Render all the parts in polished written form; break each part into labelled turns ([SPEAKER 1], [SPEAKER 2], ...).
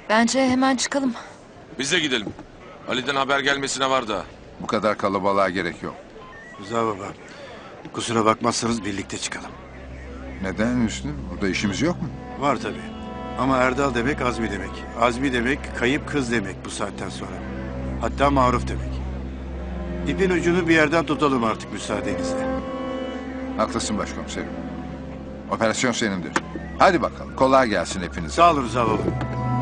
[SPEAKER 1] Bence hemen çıkalım.
[SPEAKER 2] Biz de gidelim. Ali'den haber gelmesine var da.
[SPEAKER 3] Bu kadar kalabalığa gerek yok.
[SPEAKER 4] Rıza baba, kusura bakmazsanız birlikte çıkalım.
[SPEAKER 3] Neden Hüsnü? Burada işimiz yok mu?
[SPEAKER 4] Var tabii. Ama Erdal demek Azmi demek. Azmi demek kayıp kız demek bu saatten sonra. Hatta Maruf demek. İpin ucunu bir yerden tutalım artık müsaadenizle.
[SPEAKER 3] Haklısın başkomiserim. Operasyon senindir. Hadi bakalım. Kolay gelsin hepinize.
[SPEAKER 4] Sağ olun Rıza baba.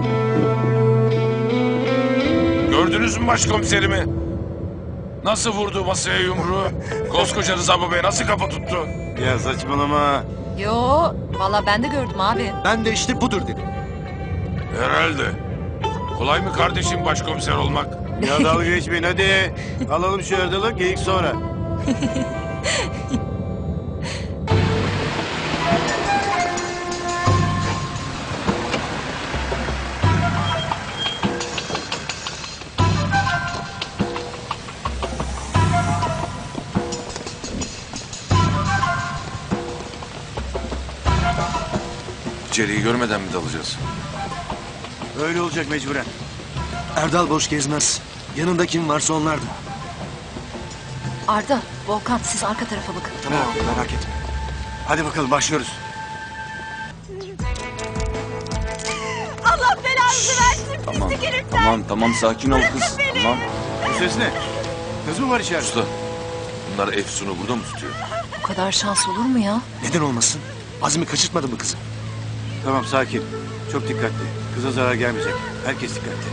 [SPEAKER 2] Gördünüz mü başkomiserimi? Nasıl vurdu masaya yumruğu? Koskoca Rıza Baba nasıl kafa tuttu?
[SPEAKER 4] Ya saçmalama.
[SPEAKER 1] Yo, vallahi ben de gördüm abi.
[SPEAKER 5] Ben de işte budur dedim.
[SPEAKER 2] Herhalde. Kolay mı kardeşim başkomiser olmak?
[SPEAKER 4] Ya dalga geçmeyin hadi. Alalım şu Erdal'ı geyik sonra.
[SPEAKER 2] İçeriği görmeden mi dalacağız?
[SPEAKER 4] Öyle olacak mecburen.
[SPEAKER 5] Erdal boş gezmez. Yanında kim varsa onlar da.
[SPEAKER 1] Arda, Volkan siz arka tarafa bakın.
[SPEAKER 5] Tamam merak etme.
[SPEAKER 4] Hadi bakalım başlıyoruz.
[SPEAKER 6] Allah belanızı versin pislik herifler.
[SPEAKER 7] Tamam sakin ol kız. Tamam.
[SPEAKER 4] Bu ses ne? Kız mı var içeride?
[SPEAKER 2] Usta, bunlar Efsun'u burada mı tutuyor?
[SPEAKER 1] Bu kadar şans olur mu ya?
[SPEAKER 5] Neden olmasın? Azmi kaçırtmadı mı kızı?
[SPEAKER 4] Tamam sakin. Çok dikkatli. Kıza zarar gelmeyecek. Herkes dikkatli.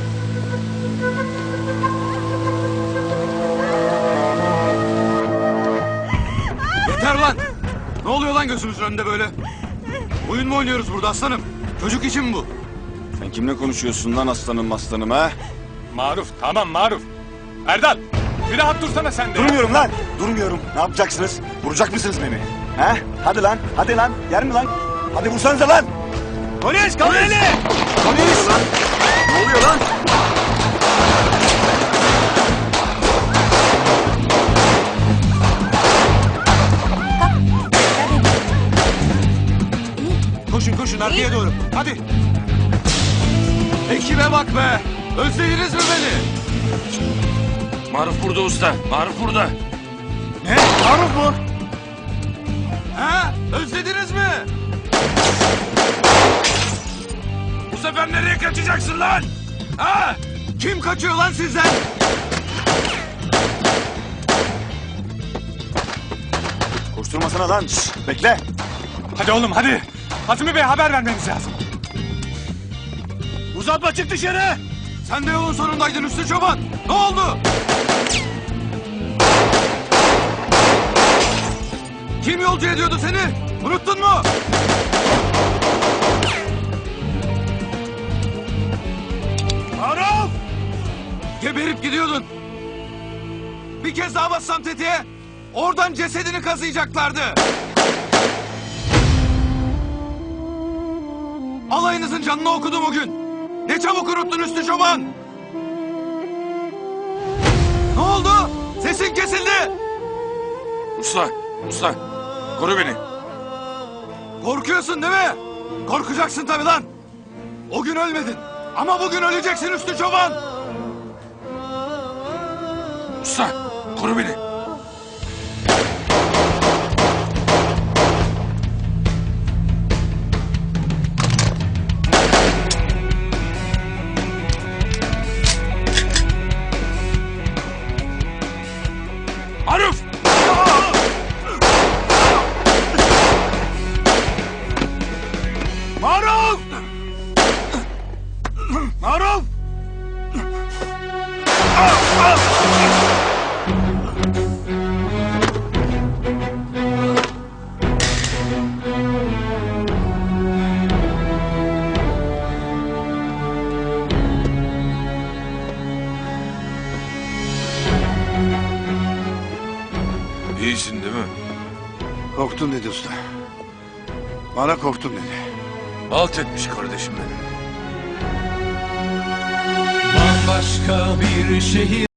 [SPEAKER 7] Yeter lan! Ne oluyor lan gözümüzün önünde böyle? Oyun mu oynuyoruz burada aslanım? Çocuk için mi bu? Sen kimle konuşuyorsun lan aslanım ha?
[SPEAKER 8] Maruf, tamam Maruf. Erdal, bir rahat dursana sen de.
[SPEAKER 9] Durmuyorum lan. Durmuyorum. Ne yapacaksınız? Vuracak mısınız beni? He? Hadi lan. Hadi lan. Yer mi lan? Hadi vursanıza lan.
[SPEAKER 4] Polis! Kalın eli!
[SPEAKER 9] Polis! Ne oluyor lan?
[SPEAKER 7] Koşun arkaya doğru. Hadi. Ekibe bak be. Özlediniz mi beni?
[SPEAKER 2] Maruf burada usta. Maruf burada.
[SPEAKER 4] Ne? Maruf mu?
[SPEAKER 7] Ha? Özlediniz mi?
[SPEAKER 2] Bu sefer nereye kaçacaksın lan?
[SPEAKER 7] Ha? Kim kaçıyor lan sizden?
[SPEAKER 9] Koşturmasana lan. Şşş, bekle.
[SPEAKER 8] Hadi oğlum hadi. Azmi Bey'e haber vermemiz lazım.
[SPEAKER 7] Uzatma çık dışarı. Sen de yolun sonundaydın Üstü Çoban. Ne oldu? Kim yolcu ediyordu seni? Unuttun mu? Maruf! Geberip gidiyordun. Bir kez daha bassam tetiğe, oradan cesedini kazıyacaklardı. Alayınızın canını okudum o gün. Ne çabuk unuttun Üstü Çoban. Ne oldu? Sesin kesildi.
[SPEAKER 2] Usta, koru beni.
[SPEAKER 7] Korkuyorsun değil mi? Korkacaksın tabii lan. O gün ölmedin. Ama bugün öleceksin Üstü Çoban.
[SPEAKER 2] Usta, koru beni. Maruf!
[SPEAKER 4] Maruf! Maruf!
[SPEAKER 2] İyisin değil mi?
[SPEAKER 4] Korktun dedi usta. Bana korktun dedi.
[SPEAKER 2] Alt etmiş kardeşim benim.
[SPEAKER 10] Bambaşka bir şehir